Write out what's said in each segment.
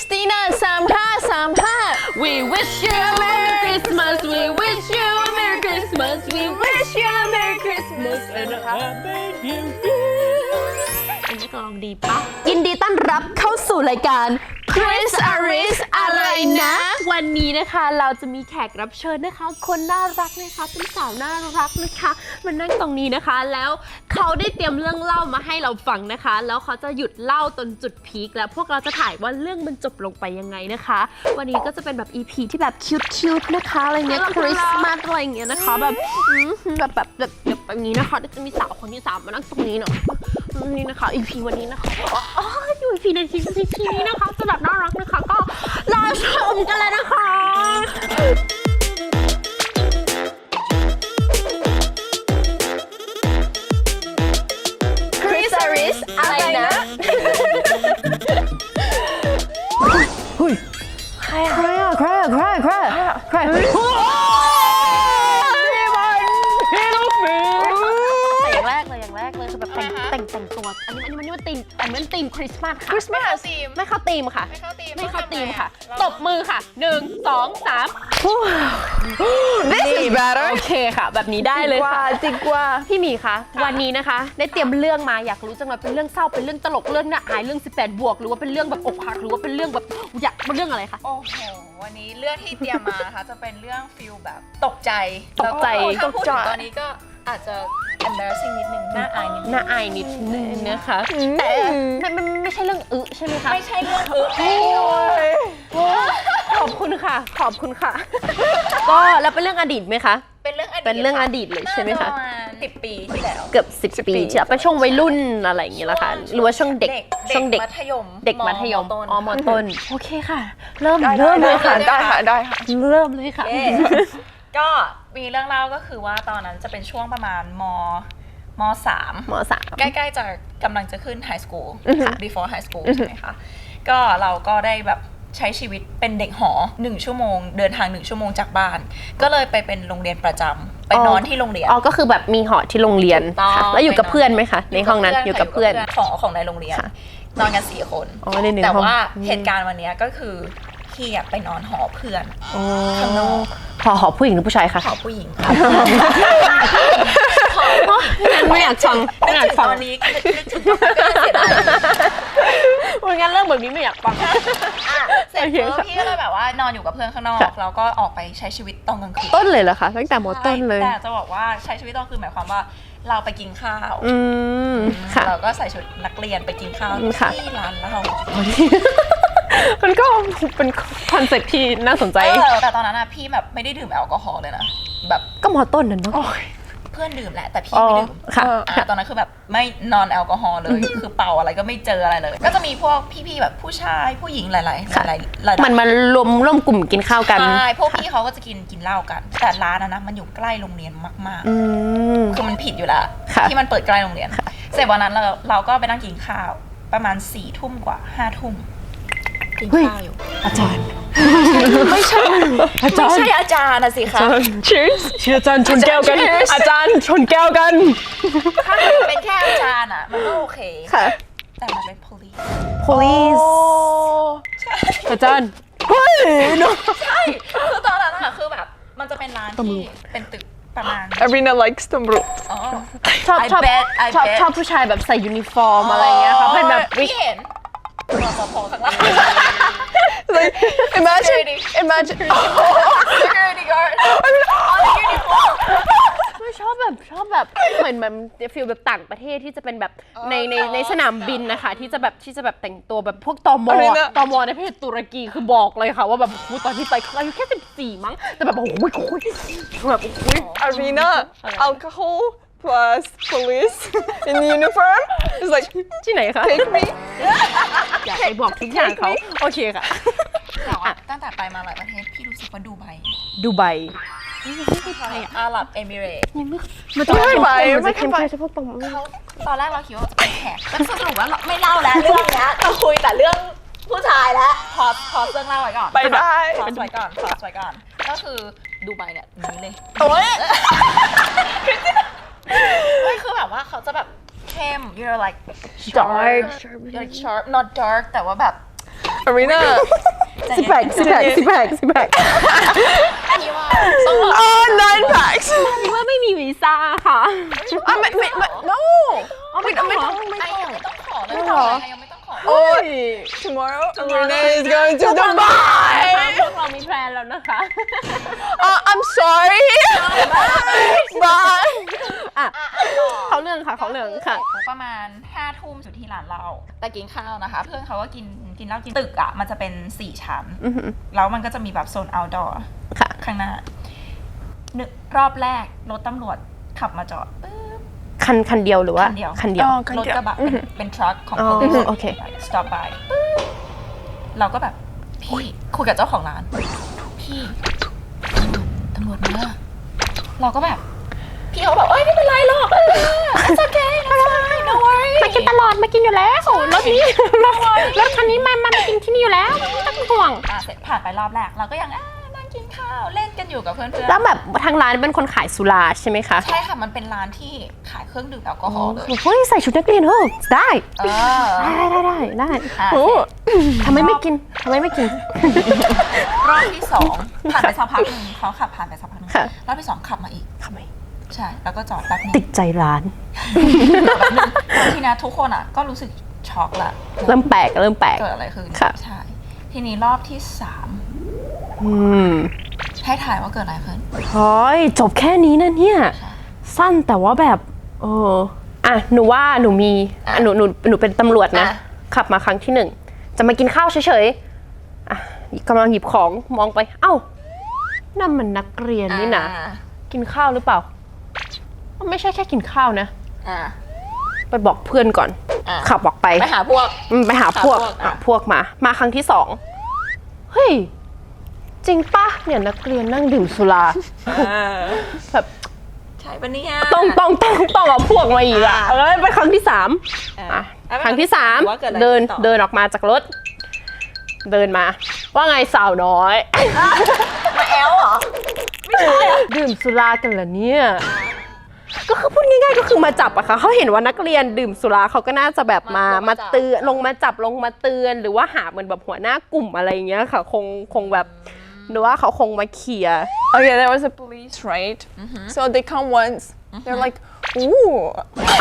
Christina 3535 We wish you a Merry Christmas We wish you a Merry Christmas We wish you a Merry Christmas and a Happy New Year อันนี้ก็ลองดีปะยินดีต้อนรับเข้าสู่รายการ Chris Aris อะไรนะวันนี้นะคะเราจะมีแขกรับเชิญนะคะคนน่ารักนะคะเป็นสาวน่ารักนะคะมานั่งตรงนี้นะคะแล้วเขาได้เตรียมเรื่องเล่ามาให้เราฟังนะคะแล้วเขาจะหยุดเล่าจนจุดพีคแล้วพวกเราจะถ่ายว่าเรื่องมันจบลงไปยังไงนะคะวันนี้ก็จะเป็นแบบ EP ที่แบบคิวๆนะคะอะไรเงี้ยคริสต์มาสอะไรเงี้ยนะคะแบบแบบนี้นะคะจะมีสาวคนที่3มานั่งตรงนี้เนาะนี่นะคะ EP วันนี้นะคะอยู่ EP ใน EP นี้นะคะจะแบบน่ารักนะคะก็รอชมกันเลยนะคะ Chris Aris อะไรนะเฮ้ยใครอะใครอย่างแรกเลยคือแบบแต่งตัวอันนี้มันธีมคริสต์มาสค่ะไม่เข้าธีมค่ะตบมือค่ะ1 2 3 This is better โอเคค่ะแบบนี้ได้เลยค่ะจริงกว่าพี่หมีคะวันนี้นะคะได้เตรียมเรื่องมาอยากรู้จังเลยเป็นเรื่องเศร้าเป็นเรื่องตลกเรื่องน่าอายเรื่อง18 บวกหรือว่าเป็นเรื่องแบบอกหักหรือว่าเป็นเรื่องแบบอยากเป็นเรื่องอะไรคะโอ้โหวันนี้เรื่องที่เตรียมมานะคะจะเป็นเรื่องฟิลแบบตกใจตกใจแล้วก็ถ้าพูดถึงตอนนี้ก็อาจจะ embarrassing นิดนึงน่าอายนิดนึงน่าอายนิดนึงนะคะแต่มันไม่ใช่เรื่องใช่ไหมคะไม่ใช่เรื่องขอบคุณค่ะก็แล้วเป็นเรื่องอดีตไหมคะเป็นเรื่องอดีตเป็นเรื่องอดีตเลยใช่ไหมคะประมาณ10 ปีที่แล้วเกือบ10 ปีใช่เป็นช่วงวัยรุ่นอะไรอย่างเงี้ยละค่ะหรือว่าช่วงเด็กช่วงเด็กมัธยมเด็กมัธยมต้นมต้นโอเคค่ะเริ่มได้เลยค่ะได้ค่ะเริ่มเลยค่ะเย้ก็มีเรื่องเล่าก็คือว่าตอนนั้นจะเป็นช่วงประมาณม .3 ม.3 ใกล้ๆจะกำลังจะขึ้น high school before high school ใช่ไหมคะก็เราก็ได้แบบใช้ชีวิตเป็นเด็กหอ1 ชั่วโมงเดินทาง1 ชั่วโมงจากบ้าน ก็เลยไปเป็นโรงเรียนประจำไปนอนที่โรงเรียนก็คือแบบมีหอที่โรงเรียนค่ะแล้วอยู่กับเพื่อนไหมคะในห้องนั้นอยู่กับเพื่อนของในโรงเรียนนอนกัน4 คนแต่ว่าเหตุการณ์วันนี้ก็คือพี่ไปนอนหอเพื่อนข้างนอกหอผู้หญิงหรือผู้ชายคะหอผู้หญิงค่ะไม่อยากฟังตอนนี้นึกถึงตอนนี้ก็เสียดายงั้นเรื่องแบบนี้ไม่อยากฟังเสร็จปุ๊บพี่ก็เลยแบบว่านอนอยู่กับเพื่อนข้างนอกแล้วก็ออกไปใช้ชีวิตตอนกลางคืนต้นเลยเหรอคะตั้งแต่ม.ต้นเลยแต่จะบอกว่าใช้ชีวิตตอนกลางคืนหมายความว่าเราไปกินข้าวเราก็ใส่ชุดนักเรียนไปกินข้าวที่ร้านเหล้ามันก็เป็นคอนเซ็ปต์ที่น่าสนใจแต่ตอนนั้นอะพี่แบบไม่ได้ดื่มแอลกอฮอล์เลยนะแบบก็ม.ต้นนั่นเนาะเพื่อนดื่มแหละแต่พี่ไม่ดื่มตอนนั้นคือแบบไม่นอนแอลกอฮอล์เลยคือเป่าอะไรก็ไม่เจออะไรเลยก็จะมีพวกพี่ๆแบบผู้ชายผู้หญิงหลายมันมารวมกลุ่มกินข้าวกันใช่พวกพี่เขาก็จะกินเหล้ากันแต่ร้านนะมันอยู่ใกล้โรงเรียนมากๆคือมันผิดอยู่แล้วที่มันเปิดใกล้โรงเรียนเสร็จวันนั้นเราก็ไปนั่งกินข้าวประมาณ4 ทุ่มกว่า5 ทุ่มกินข้าวอยู่อาจารย์ไม่ใช่อาจารย์นะสิคะ Cheers อาจารย์ชนแก้วกันอาจารย์ชนแก้วกันถ้าเป็นแค่อาจารย์อะมันก็โอเคค่ะแต่มันเป็น police อาจารย์ใช่คือตอนนั้นอะคือแบบมันจะเป็นร้านที่เป็นตึกประมาณ Arina likes ตำรวจชอบผู้ชายแบบใส่ยูนิฟอร์มอะไรเงี้ยค่ะเป็นแบบพี่เห็นรปภข้างล่าง like imagine security guard on the uniform ไม่ชอบแบบเหมือนฟีลแบบต่างประเทศที่จะเป็นแบบในสนามบินนะคะที่จะแบบแต่งตัวแบบพวกตมในประเทศตุรกีคือบอกเลยค่ะว่าแบบตอนที่ไปอายุแค่14มั้งแต่แบบโอ้โหแบบ Arina alcohol plus police in uniform is like ที่ไหนคะ take me อยากไปบอกทุกอย่างเขาโอเคค่ะแต่ว่าตั้งแต่ไปมาหลายประเทศพี่รู้สึกว่าดูไบอาหรับเอมิเรตส์มันจะไม่ไปเฉพาะตอนแรกเราคิดว่าจะเป็นแขกแล้วสรุปว่าไม่เล่าแล้วเรื่องนี้เราคุยแต่เรื่องผู้ชายแล้วพอเรื่องเล่าไว้ก่อนไปได้พอไว้ก่อนก็คือดูไบเนี่ยนี้เลยโอ้ยไม่คือแบบว่าเขาจะแบบเข้ม you're like dark you're like sharp not dark แต่ว่าแบบ Arena สิบแปดพี่ว่าต้องรอ oh 9 packs คิดว่าไม่มีวีซ่าค่ะไม่ no ไม่ต้องยังไม่ต้องขอเลยยังไม่ต้องขอ oh tomorrow Arena is going to Dubai พวกเรามีแพลนแล้วนะคะ I'm sorry bye เขาเรื่องค่ะประมาณ5 ทุ่มสุดที่ร้านเราแต่กินข้าวนะคะ เพื่อนเขาก็กินเหล้ากินตึกอ่ะมันจะเป็น4 ชั้นแล้วมันก็จะมีแบบโซน outdoor ข้างหน้ารอบแรกรถตำรวจขับมาจอดปึ๊บคันเดียวหรือว่าคันเดียวรถกระบะเป็นทรัคของ police โอเค stop by เราก็แบบพี่คุยกับเจ้าของร้านพี่ตำรวจมาเราก็แบบพี่เขาบอกเอ้ยไม่เป็นไรหรอกit's okay no worry มากินตลอดมากินอยู่แล้วรถนี้รถคันนี้มากินที่นี่อยู่แล้วไม่ต้องห่วงเสร็จผ่านไปรอบแรกเราก็ยังนั่งกินข้าวเล่นกันอยู่กับเพื่อนๆแล้วแบบทางร้านเป็นคนขายสุราใช่ไหมคะใช่ค่ะมันเป็นร้านที่ขายเครื่องดื่มแอลกอฮอล์เลยเฮ้ยใส่ชุดนักเรียนได้ ได้โอ้ทำไมไม่กินรอบที่2ผ่านไปสักพักหนึ่งเขาขับผ่านไปสักพักหนึ่งรอบที่2ขับมาอีกทำไมใช่แล้วก็จอดแป๊บนึงติดใจร้านทีนี้ทุกคนก็รู้สึกช็อกละเริ่มแปลกเกิดอะไรขึ้นใช่ทีนี้รอบที่3ให้ถ่ายว่าเกิดอะไรขึ้นเฮ้ยจบแค่นี้นะเนี่ย สั้นแต่ว่าแบบหนูว่าหนูมีหนูเป็นตำรวจนะ ขับมาครั้งที่1จะมากินข้าวเฉยๆกำลังหยิบของมองไปเอ้านั่นมันนักเรียนนี่นะกินข้าวหรือเปล่าไม่ใช่แค่กินข้าวนะไปบอกเพื่อนก่อนขับออกไปไปหาพวกพวกมาครั้งที่2เฮ้ยจริงปะเนี่ยนักเรียนนั่งดื่มสุราแบบใช่ปะเนี่ยต้องเอาพวกมาอีกไปครั้งที่3ครั้งที่3เดินออกมาจากรถเดินมาว่าไงสาวน้อยมาแอลเหรอไม่ใช่ดื่มสุรากันเหรอเนี่ยก็คือพูดง่ายๆก็คือมาจับอะค่ะเขาเห็นว่านักเรียนดื่มสุราเขาก็น่าจะแบบมาเตือนลงมาเตือนหรือว่าหาเหมือนแบบหัวหน้ากลุ่มอะไรอย่างเงี้ยค่ะคงแบบหรือว่าเขาคงมาเคลียร์ Okay, there was a police, right? So they come once. They're like, ooh,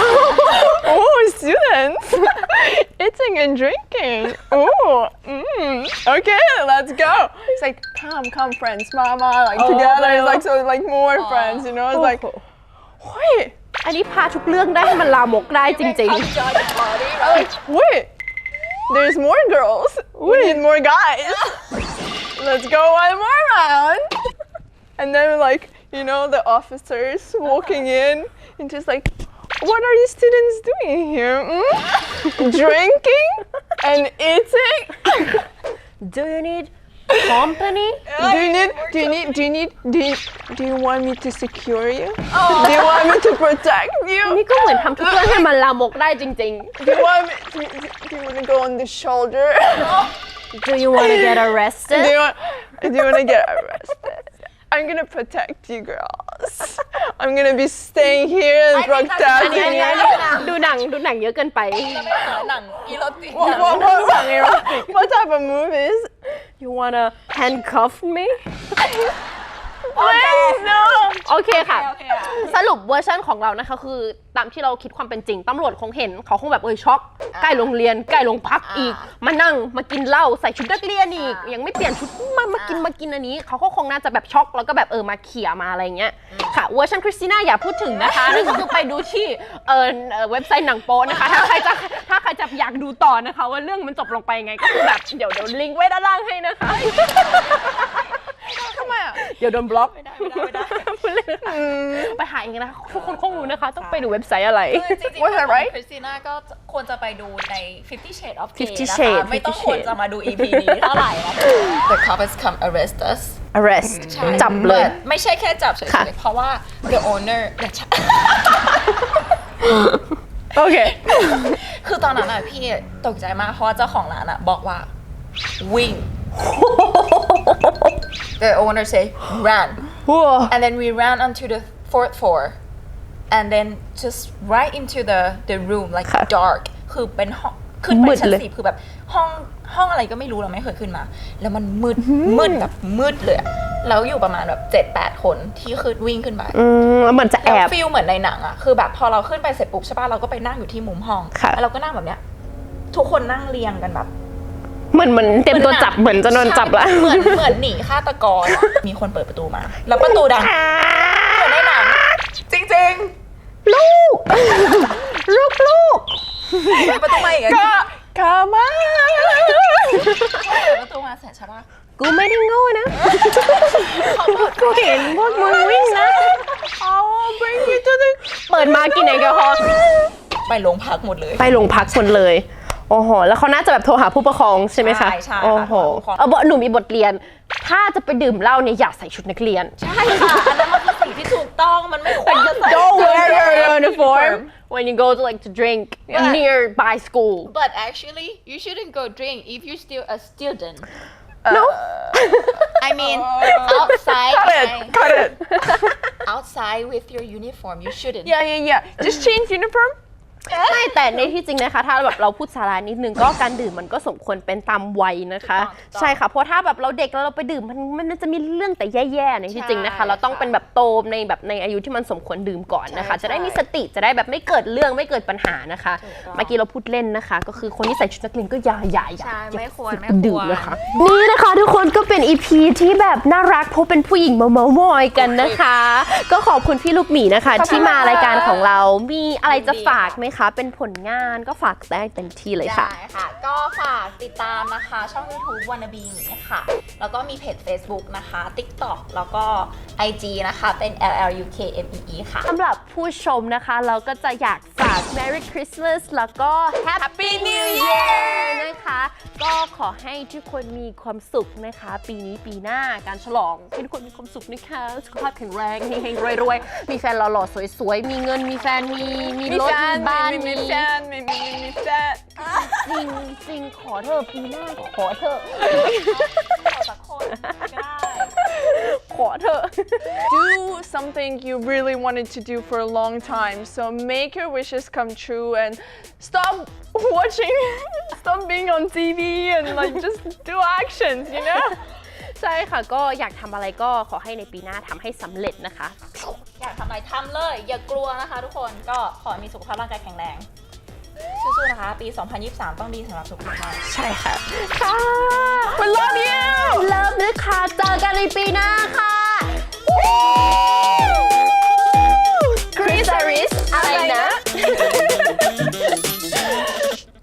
students, eating and drinking. Ooh, okay, let's go. It's like, come, friends, mama, like together. It's like so, like more friends, you know. It's like, wait. อันนี้พาทุกเรื่องได้ให้มันลามกได้จริงๆ Like, wait, there's more girls. We need more guys. Let's go one more round. And then like, you know, the officers walking in and just like, what are you students doing here? Drinking and eating? Do you need company? Do you want me to secure you? Do you want me to protect you? นี่ก็เหมือนทำทุกเรื่องให้มันลามกได้จริงๆ Do you want to go on the shoulder? Do you want to get arrested? Do you want to get arrested? I'm gonna protect you girls. I'm gonna be staying here and protecting you. ดูหนังเยอะเกินไปหนังอีโรติก What type of movies? You wanna handcuff me? Please no. โอเคค่ะ สรุปเวอร์ชันของเรานะคะคือตามที่เราคิดความเป็นจริงตำรวจคงเห็นเขาคงแบบช็อกใกล้โรงเรียนใกล้โรงพักอีกมานั่งมากินเหล้าใส่ชุดนักเรียนอีกยังไม่เปลี่ยนชุดมากินอันนี้เขาก็คงน่าจะแบบช็อกแล้วก็แบบมาเขี่ยมาอะไรเงี้ยค่ะเวอร์ชันคริสติน่าอย่าพูดถึงนะคะนั่นก็คือไปดูที่เว็บไซต์หนังโป๊นะคะถ้าใครจะอยากดูต่อนะคะว่าเรื่องมันจบลงไปไงก็คือแบบเดี๋ยวลิงก์ไว้ด้านล่างให้นะคะทำไมอ่ะเดี๋ยวโดนบล็อกไม่ได้ไปหาเองนะคะทุกคนคงรู้นะคะต้องไปดูเว็บไซต์อะไรจริงๆคริสติน่าก็ควรจะไปดูใน 50 Shades of Grey นะคะไม่ต้องควรจะมาดู EP นี้เท่าไหร่นะ The cops come arrest us arrest จับเลยไม่ใช่แค่จับเฉยๆเพราะว่า the owner โอเคคือตอนนั้นพี่ตกใจมากเพราะว่าเจ้าของร้านบอกว่าวิ่งThe owner say run and then we ran onto the 4th floor and then just right into the room like dark คือเป็นห้องขึ้นไปมืดชั้นเลย 10คือแบบห้องอะไรก็ไม่รู้เราไม่เคยขึ้นมา แล้วมันมืดแบบมืดเลยอะแล้วอยู่ประมาณแบบ7-8 คนที่คือวิ่งขึ้นไปแล้วเหมือนจะแอแล้วบฟีลเหมือนในหนังอะคือแบบพอเราขึ้นไปเสร็จปุ๊บใช่ป่ะเราก็ไปนั่งอยู่ที่มุมห้องค่ะแล้วเราก็นั่งแบบเนี้ยทุกคนนั่งเรียงกันแบบเหมือนเต็มตัวจับเหมือนจะโดนจับละเหมือนหนีฆาตกรอะมีคนเปิดประตูมา แล้วประตูดังเหมือนในหนังจริงลูก ลูกๆเปิดประตูมาอีกอะ Come on! เปิดประตูมาเสร็จใช่ป่ะกูไม่ได้โง่นะเขาเปิดกูเห็นพวกมึงวิ่งนะ I will bring you to the เปิดมากินแอลกอฮอล์ไปโรงพักหมดเลยไปโรงพักคนเลย โอ้โห แล้วเขาน่าจะแบบโทรหาผู้ปกครองใช่ไหมคะใช่ค่ะโอ้โหโทรหาผู้ปกครองหนูมีบทเรียน ถ้าจะไปดื่มเหล้าเนี่ยอย่าใส่ชุดนักเรียนใช่ค่ะอันนั้นมันคือสิ่งที่ถูกต้องมันไม่ควรจะใส่ Don't wear your uniform when you go to drink nearby school. But actually you shouldn't go drink if you're still a student No. I mean outside cut it. outside with your uniform you shouldn't Yeah. Just change uniform. ไม่แต่ในที่จริงนะคะ ถ้าแบบเราพูดสาระนิดนึงก็การดื่มมันก็สมควรเป็นตามวัยนะคะถูกต้องใช่ค่ะ เพราะถ้าแบบเราเด็กแล้วเราไปดื่มมันจะมีเรื่องแต่แย่ๆในที่จริงนะคะ เราต้องเป็นแบบโตในอายุที่มันสมควรดื่มก่อนนะคะ จะได้มีสติจะได้แบบไม่เกิดเรื่องไม่เกิดปัญหานะคะ เมื่อกี้เราพูดเล่นนะคะ ก็คือคนที่ใส่ชุดนักเรียนก็อย่าใช่ไม่ควรดื่มนะคะนี่นะคะทุกคนก็เป็น EP ที่แบบน่ารักเพราะเป็นผู้หญิงเมามอยกันนะคะ ก็ขอบคุณพี่ลูกหมีนะคะ ที่มารายการของเรา มีอะไรจะฝากไหมคะ เป็นผลงานก็ฝากได้เต็มที่เลยค่ะได้ค่ะ ก็ฝากติดตามนะคะช่อง YouTube Wannabe หมีค่ะ แล้วก็มีเพจ Facebook นะคะ TikTok แล้วก็ IG นะคะเป็น LLUKMEE ค่ะสำหรับผู้ชมนะคะเราก็จะอยากฝาก Merry Christmas แล้วก็ Happy New Year นะคะ ก็ขอให้ทุกคนมีความสุขนะคะ ปีนี้ปีหน้าการฉลองให้ทุกคนมีความสุขนะคะสุขภาพแข็งแรงเฮงๆรวยๆมีแฟนหล่อๆสวยๆมีเงินมีแฟนมีรถมีบ้านมี Me fat. จริงขอเธอะปีหน้าขอเธอะจากคนก็ได้ขอเธอะ Do something you really wanted to do for a long time. So make your wishes come true and stop watching, stop being on TV and like just do actions, you know? ใช่ค่ะก็อยากทำอะไรก็ขอให้ในปีหน้าทำให้สำเร็จนะคะอยากทำอะไรทำเลย อย่ากลัวนะคะทุกคนก็ขอให้มีสุขภาพร่างกายแข็งแรงสู้ๆนะคะ ปี 2023 ต้องดีสำหรับทุกคนมากใช่ค่ะ ค่ะ We love you! เลิฟนะคะเจอกันในปีหน้าค่ะ